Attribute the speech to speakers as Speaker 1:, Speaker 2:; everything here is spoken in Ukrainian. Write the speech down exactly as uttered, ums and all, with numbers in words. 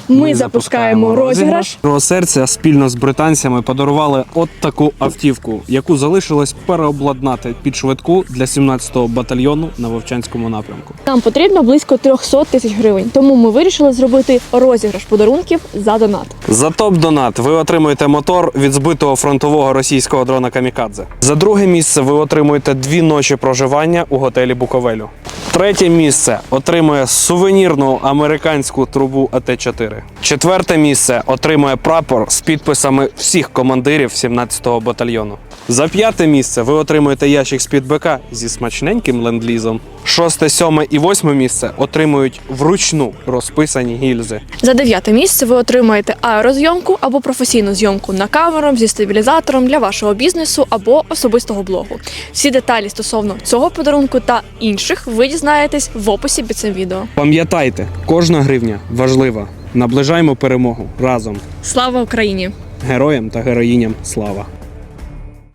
Speaker 1: Ми запускаємо розіграш.
Speaker 2: Про серця спільно з британцями подарували от таку автівку, яку залишилось переобладнати під швидку для сімнадцятого батальйону на Вовчанському напрямку.
Speaker 1: Нам потрібно близько триста тисяч гривень, тому ми вирішили зробити розіграш подарунків за донат.
Speaker 2: За топ-донат ви отримуєте мотор від збитого фронтового російського дрона «Камікадзе». За друге місце ви отримуєте дві ночі проживання у готелі «Буковелю». Третє місце отримує сувенірну американську трубу А Т чотири. Четверте місце отримує прапор з підписами всіх командирів сімнадцятого батальйону. За п'яте місце ви отримуєте ящик з-під Б К зі смачненьким ленд-лізом. Шосте, сьоме і восьме місце отримують вручну розписані гільзи.
Speaker 1: За дев'яте місце ви отримаєте аерозйомку або професійну зйомку на камеру зі стабілізатором для вашого бізнесу або особистого блогу. Всі деталі стосовно цього подарунку та інших ви дізнаєтесь в описі під цим відео.
Speaker 2: Пам'ятайте, кожна гривня важлива. Наближаємо перемогу разом.
Speaker 1: Слава Україні!
Speaker 2: Героям та героїням слава!